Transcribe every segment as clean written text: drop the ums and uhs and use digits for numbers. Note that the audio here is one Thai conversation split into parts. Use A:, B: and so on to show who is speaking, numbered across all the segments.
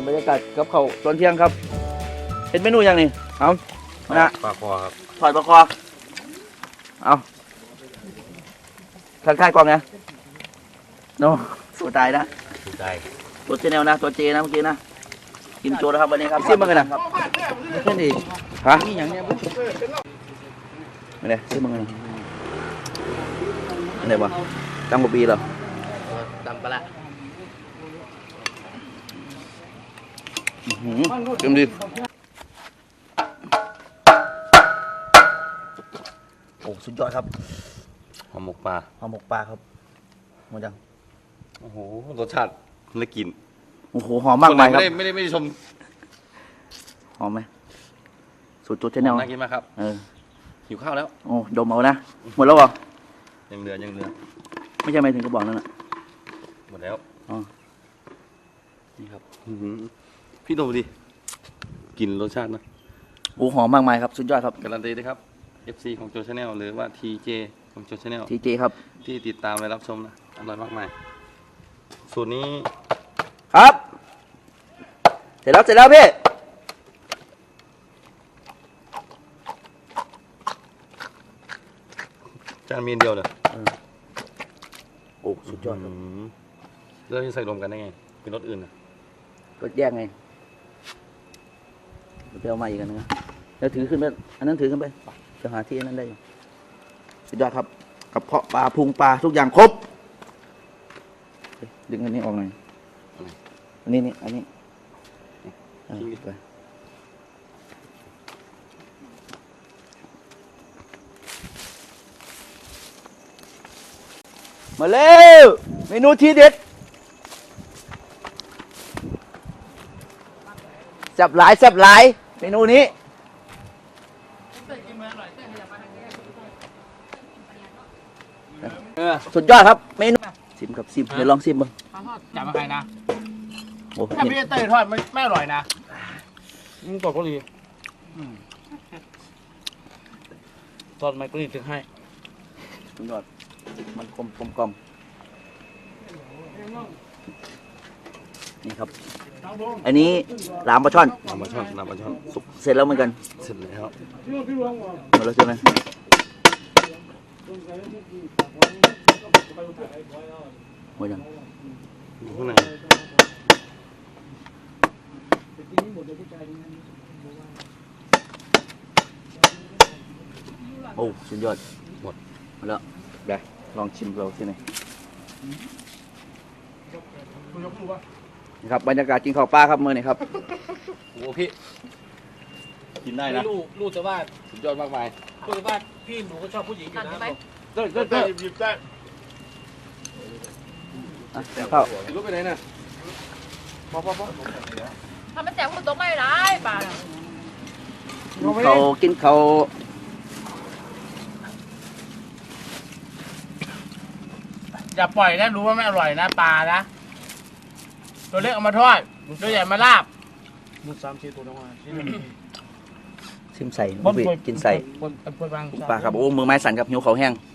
A: บรรยากาศกับเขาตอนเที่ยงครับเป็นเมนูยังนี่เอานะ
B: ปลาคอครับ
A: ถอดประคอเอาทักทายกล้องไงโน้สู้ตายนะ
B: ถูกใจ
A: ตัวเจเนลนะตัวเจนะเมื่อกี้นะกินโจนะครับวันนี้ครับซิมมากันนะครับไม่ใช่ดิฮะนี่อย่างเนี้ยไม่ได้ซิมมากันอะไรวะตั้งกว่าปีเหรอ
B: ตำปลา
A: เต็มดีโอ้สุดยอดครับ
B: หอมหมกปลา
A: ห่อหมกปลาครับหมดยัง
B: โอ้โหรสชาติและกลิ่น
A: โอ้โหหอมมากมายครับ
B: ไม่ได้ชม
A: หอมไหมสูตรโจเจเนล
B: น่ากินมากครับ หิวข้าวแล้ว
A: โอ้ดมเอานะหมดแล้วเหรอ
B: ยังเหลือ
A: ไม่ใช่ไม่ถึงกระบอกนั่นแหละ
B: หมดแล้ว
A: อ๋อนี่ครับ
B: อื้อหือพี่ดูดิกลิ่นรสชาตินะ
A: โอ้หอมมากมายครับสุดยอดครับ
B: การันตีด้วยครับ FC ของโจชาแนลหรือว่า TJ ของโจชาแนล
A: ทีเจครับ
B: ที่ติดตามและรับชมนะอร่อยมากมายสูตรนี้
A: ครับ เสร็จแล้วพี่
B: จานมีอันเดียวเลย
A: โอ้สุดยอดครับ
B: แล้วจะใส่รวมกันได้ไงเป็นรสอื่นนะ
A: ก็แยกไงไปเอามาอีกอันนึงนะแล้วถือขึ้นไปอันนั้นถือขึ้นไปจะหาที่อันนั้นได้อยู่สุดยอดครับกระเพาะปลาพุงปลาทุกอย่างครบดึงอันนี้ออกหน่อยอันนี้อันนี้ไปมาเร็วเมนูทีเด็ดแซ่บหลายเมนูนี้สุดยอดครับเมนูซิมครับซิมเดี๋ยวลองซิมบ้าง
C: จับมาใครนะ
A: โอ้
C: ถ้าพี่เต้ยทอดไม่อร่อยนะ
B: กรอบก็ดี
C: ทอดไม่ก็ดีถึงให้
A: สุดยอดมันกลมนี่ครับอันนี้ลามปลาช่อน
B: น้ำปลาช่อน
A: สุกเสร็จแล้วเหมือนกัน
B: เสร็จแล้ว
A: หมดแล้วใช่ไหมหมดยัง
B: อยู่ข้างใน
A: โอ้สุดยอดหมดแล้วได้ลองชิมเราสิหน่อยนี่ครับบรรยากาศกินข้าวปลาครับมื้อนี้ครับ
B: โอ้พี่กินได้นะ
C: รู้แต่ว่า
B: สุดยอดมากมาย
C: รู้แต่ว่าพี่หนูก็ชอบผู้หญิงอยู่นะ
B: ได้หยิบได้
A: ข้าว
B: รู้ไปไหนน่ะพอ
D: ทำมันแจกคนตกไม่ร้ายป่า
A: เขากินเขา
C: อย่าปล่อยนะรู้ว่าไม่อร่อยนะปลานะตัวเล็กเอามาทอดตัวใหญ่มาลาบดู3-4ตัวน้องมา
A: ซิมใส่กินใส่
C: บนบาง
A: ปลาครับโอ้มือไม้สั่นครับหิวเขาแห้ง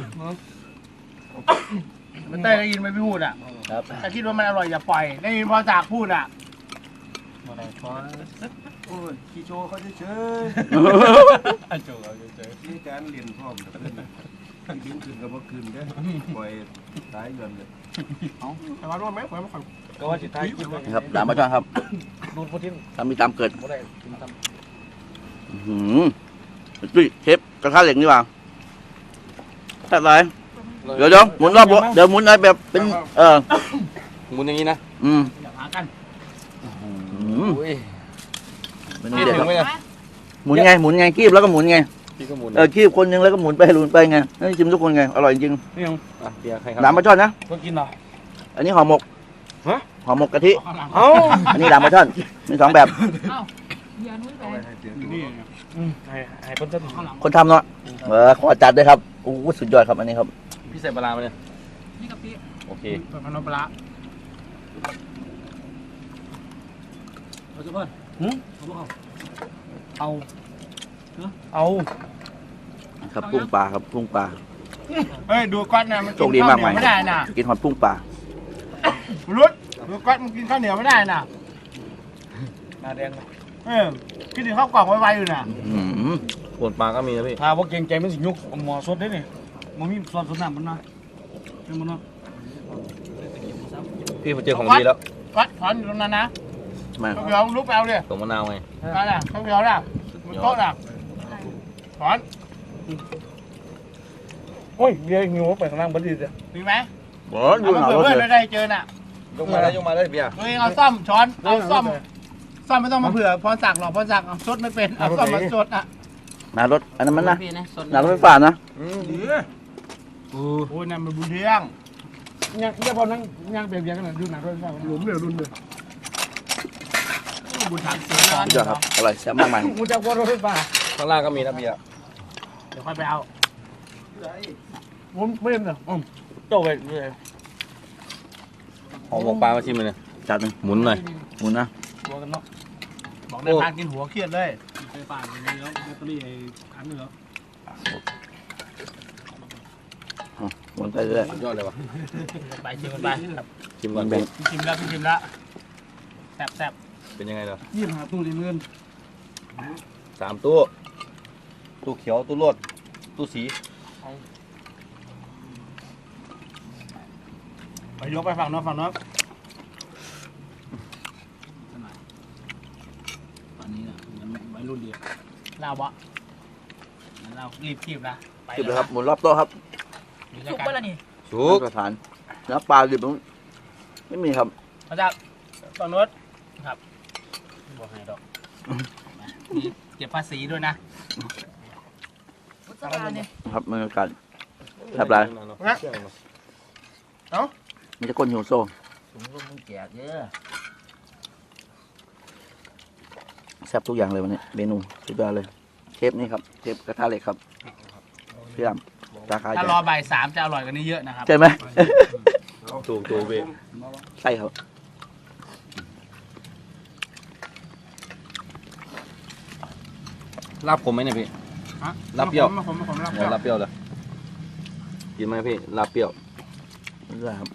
C: มันเต้ยได้ยินไหมพี่พูดอ่ะ
A: ครับ
C: ถ้าคิดว่ามันอร่อยอย่าปล่อยได้ยินพอจากพูดอ่ะ
E: โอ้ยขี้โชว์เขาเฉย
C: โจ้เราเฉย
E: ๆนี่การเรียนพร้อมกับเพื่อนดึงขึ้นกับว่าขึ้นได้ปล่อยตายเงินเลย
C: แต่ว่ารู้ไหมผมไม่ค่อยก็ว่าจิตใจคิดว่า
A: นี่ครับลามปลาช่อนครับ
C: ดูดพุทธิน
A: ตามมีตามเกิด
C: ไม่ได้กินตำ
A: ดุยเชฟกระทะเหล็กนี่หว่าแซ่บไรเดี๋ยวหมุนรอบเดี๋ยวหมุนอะไรแบบเป็น
B: หมุนอย่างนี้นะ
C: อย่าหากัน
A: เมนูเด็ดครับ
B: ไหมเนี่ย
A: หมุนไงคีบแล้วก็หมุนไง
B: พี่ก็หมุน
A: คีบคนนึงแล้วก็หมุนไปไงให้ชิมทุกคนไงอร่อยจริง
C: นี่ยัง
B: เดี๋ยวใครครับ
A: ลามปลาช่อนนะ
C: ก็กินเหรอ
A: อันนี้ห่อหมก
B: ฮะ
A: ห่อหมกกะทิ
C: เอ้า
A: อันนี้ลามปลาช่อนมี2แบบ
D: อย่านุ้ยไป
C: นี่ให้คนเต้นข้างหลัง
A: คนทำเนาะขอจัดด้วยครับโอ้สุดยอดครับอันนี้ครับ
B: พี่ใส่ปลาร้ามาเนี่ย
D: นี่กับพี่
B: โอเค
C: เปิดพันธุ์ปลาเอาจุ๊บเพื่อนเอา
A: ครับกุ้งปลาครับกุ้งปลา
C: เฮ้ยดูก๊อตนะมัน
A: โชคดีมากมาย
C: ไม่ได้น่ะ
A: กินหอดกุ้งปลา
C: รุดดูก๊อตมันกินข้าวเหนียวไม่ได้น่ะหน้าแดงคิดถึงข้าวกล่องไวๆอยู่น่ะ
B: ปวดปลาก็มีนะพี่
C: ถ้าว่าเก่งใจมันสิยุกหมอสดได้นี่มันมีซอสสดน้ำมันนะเป็นมันเนาะ
B: พี่ผมเจอของดีแล้ว
C: วัดถอนอยู่ตรงนั้นนะ
A: มา
C: ข้าวเหนียวลุกไปเอาดิ
B: ตรงมะนาวไง
C: นั่นน่ะข้าวเหนียวน่ะมันโต๊ะน่ะถอนโอ้ยเบียร์หิวไปข้างล่างบัดดีจ้ะมีไหม
A: บ่อ
C: เอา
A: ยู่
C: มา
A: หนาว
C: เผื่อ
A: รถ
C: เพื่อน
A: เล
C: ไม่
A: ย
C: ได้เจอน่ะ
B: ยกมาเลยเบียร์
C: ตัวเองเอาซ่อมช้อนเอาซ่อมไม่ต้องมาเผื่อพรศักดิ์หรอกพรศักดิ์เอาซดไม่เป็นเอาซ่อมมาซดอ่ะ
A: หนาวรถอันนั้นมันนะหนาวรถไฟฟ้านะ
C: โอ้ยนั่นมันบุญเที่ยงยังพอนั่งยังเบียร์กันน่ะดูหนังด้วยกันหลุมเลยรุ่นเลยบุญถังเสือ
A: สุดยอดครับอร่อยแซ่บมากมาย
C: กูจะกลัวรถไฟฟ้า
B: ข้างล่างก็มีนะเบียร์
C: เดี๋ยวค่อยไปเอาผมไม่เห็นเหรอโจ้ไปเลย
B: หอมหมกปลามาชิมเลยเนี่ย
A: จัดหนึ่ง
B: หมุนหน่อย
A: หมุนนะ
C: หัวกันเนาะบอกได้พากินหัวเครียดเลยไฟฟ้าอย่างนี้แล้วแบตเตอรี่ไอ้คันนึงแล้ว
A: หมุนไปเรื่อย
B: สุดยอดเลยวะ
C: ไปชิมกันไป
B: ชิมก่อน
A: แบ่
B: พี่
A: ง
C: ชิมแล้วชิมแล้วแซ่บ
B: เป็นยังไงเนาะ
C: 25 ตู้เงิน
B: 3 ตู้ตู้เขียวตู้รวดตู้สี
C: ไปยกไปฝั่งโน้นฝั่งโน้น
E: ตอนนี้นะมันวัยรุ่นเดียว
C: เล่าบ่งั้นเรารีบคีบนะไป
A: คลิปเลยครับหมุนรอบโต๊ะครับ
D: สุกไปแล้วนี่
B: สุก
A: มาตรฐานเนื้อปลาดิบไม่มีครับ
C: มาจากฝั่งโน้นครับบอกให้ดอกมีเก็บภาษีด้วยนะ
D: พุทธบาลเนี่ย
A: ครับบรรยากาศแซ่บหลายมีแต่คนหิวโซ่
E: ผมก็มึงแก่เยอะ
A: แซ่บทุกอย่างเลยวันนี้เมนูสุดยอดเลยเชฟนี่ครับเชฟกระทะเหล็กครับพี่ดำราคา
C: ถ้ารอบ่าย3จะอร่อยกว่านี้เยอะนะครับ
A: ใช่ไหม
B: ถูกพี่
A: ใช่ครับ
B: ลาบขมไหมเนี่ยพี่
C: ฮะ
B: ลาบเปรี้ยว
C: ผมลาบ
B: เดี๋ยวลาบเปรี้ยวเลยกินไหมพี่ลาบเปรี้ยว
A: ได้ครับ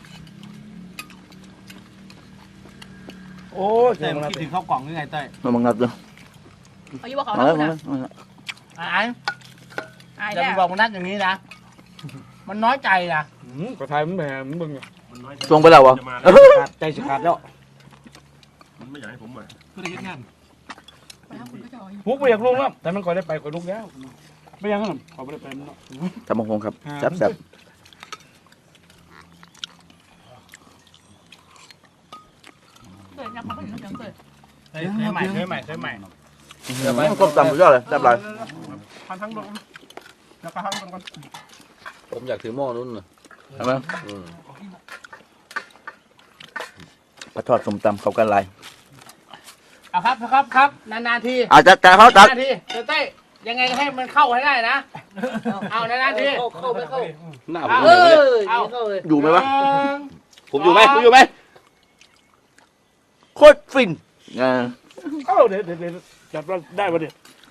C: โอ้ยคิดถึงข้าวกล่องยังไงเต้ย
A: มาบังนัดเลย
D: เอาอยู่ว่าเขา
A: มา
D: แล้
A: แล้ว วมา
D: นะ
A: แล้วมาแล้ว
C: ไอ้
D: อาย
C: อย่า
D: แล้
C: ไป
D: ว
C: บอกมันนัดอย่างนี้นะ มันน้อยใจนะ
F: กระทายมันแหมมันบึง
A: ตรงไปแล้ววะ
F: ขาดใจสิขาดแล้ว
E: มันไม่อยากให้ผมมา
F: ไม่ได้เฮ็ดงาน
D: ไปทำคุณก็จะเอาอยู่
F: พวกไปอยากลงแล้วแต่มันก่อนได้ไปก่อนลุกแล้วไม่ยังนั้นขอไม่ได้ไปมันเนาะ
A: จำมงคงครับแซ่บแซ่บ
D: เกิดยังเขาเป็นยังเกิด
C: เคยใหม่
A: ต้มตำสุดยอดเลยแซ่บหลาย
C: พันทั้งลงแล้วก็ทั้งลงก่อน
B: ผมอยากถือหม้อนู้นน่ะ
A: ใช่ไหม
B: อืม
A: ปลาทอดส้มตำเขากันลาย
C: เอาครับนานๆที
A: อาจจะแต่เขาตัด
C: นานๆทีเต้ยยังไงก็ให้มันเข้าให้ได้นะเอานานๆที
D: เข้าไม่เข้า
B: หน้าผ
C: เอา
B: มอยู่เนี่ย
C: เอา
A: อยู่ไหมวะ
B: ผมอยู่ไหมผมอยู่ไหม
A: โคตรฟินอ่า
F: เอ้าเดี๋ยวจับเราได้ปะเนี่ย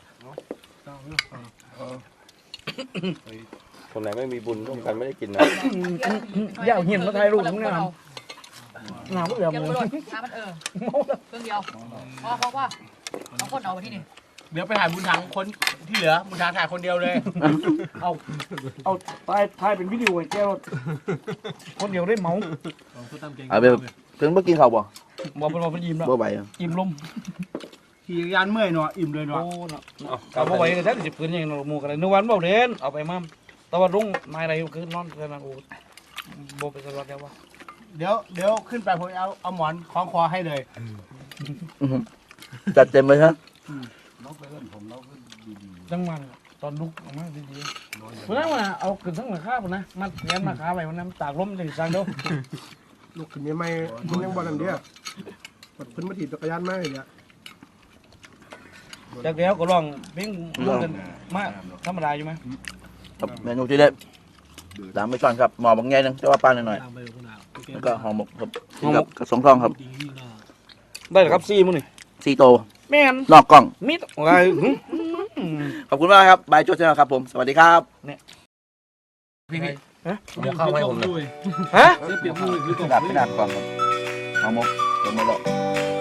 B: คนไหนไม่มีบุญร่วมกันไม่ได้กินนะ
F: ย่าเห็นมาถ่ายรูปทั้งนั้นหนาวเบื่อ
D: ยัง
F: มื
D: ไม่
F: อ
D: โดนน้ำมันเครื่องเดียวพอเขาว่าเอาคนเอาไปที่นี่
C: เดี๋ยวไปถ่ายบุญถังคนที่เหลือบุญถังถ่ายคนเดียวเลย
F: เอาถ่ายเป็นวิดีโอไอ้แก้วคนเดียวได้เมา
A: เอาไปถึงเมื่อกินข้าวบ่
F: บอกเป็นว่าเป็นยิ้มแล้ว
A: บ่ไหวอะ
F: ยิ้มลม
C: ขี่ยานเมื่อยเนาะอิ่มเลย
F: โอ้
C: เนาะ
F: เนาะเอาไปเลยแท้สิบคืนยังหมูกันเลยนึกวันบอกเด่นเอาไปมั่มแต่ว่ารุ่งนายอะไรคือนอนกันนะโอ้โบไปสวัสดีว่า
C: เดี๋ยวขึ้นไปผมเอาหมอนคล้องคอให้เลย
A: อื้อหือจัดเต็มเลยฮะ
E: น้องไปเล่นผมน้องก็ดี
F: จังมันตอนลุกออกมาดีๆเพราะนั้นว่าเอาขึ้นทั้งหลังคาปุ่นนะมันแง้มราคาไปวันนั้นตากลมจะสั่งเดียว
G: ลูกขึ้นยังไม่มันยังบอลอันเดียวกดขึ้นมาถีบจักรยานมาเลยเนี่ย
F: จากเดียวก็ลองเพ่งลงกันมาธรรมดาอยู่ไหม
A: ครับเมนูที่เด็ดตามไปก่อนครับหมอบางแง่นึงแต่ว่าปลาหน่อยๆแล้วก็ห่อหมกครับกินกับกระสงทองครับ
F: ได้ครับซี่มื้อนี่
A: ซีโต
F: แม่น
A: นอกกล้อง
F: มิดอะไร
A: ขอบคุณมากครับบายโจเซนครับผมสวัสดีครับ
C: พี่
B: เดี๋ยวเข้าให้ผมเลย
F: ฮะ
A: ดับไม่ดับกล้องครับห่อหมกลงมาแล้ว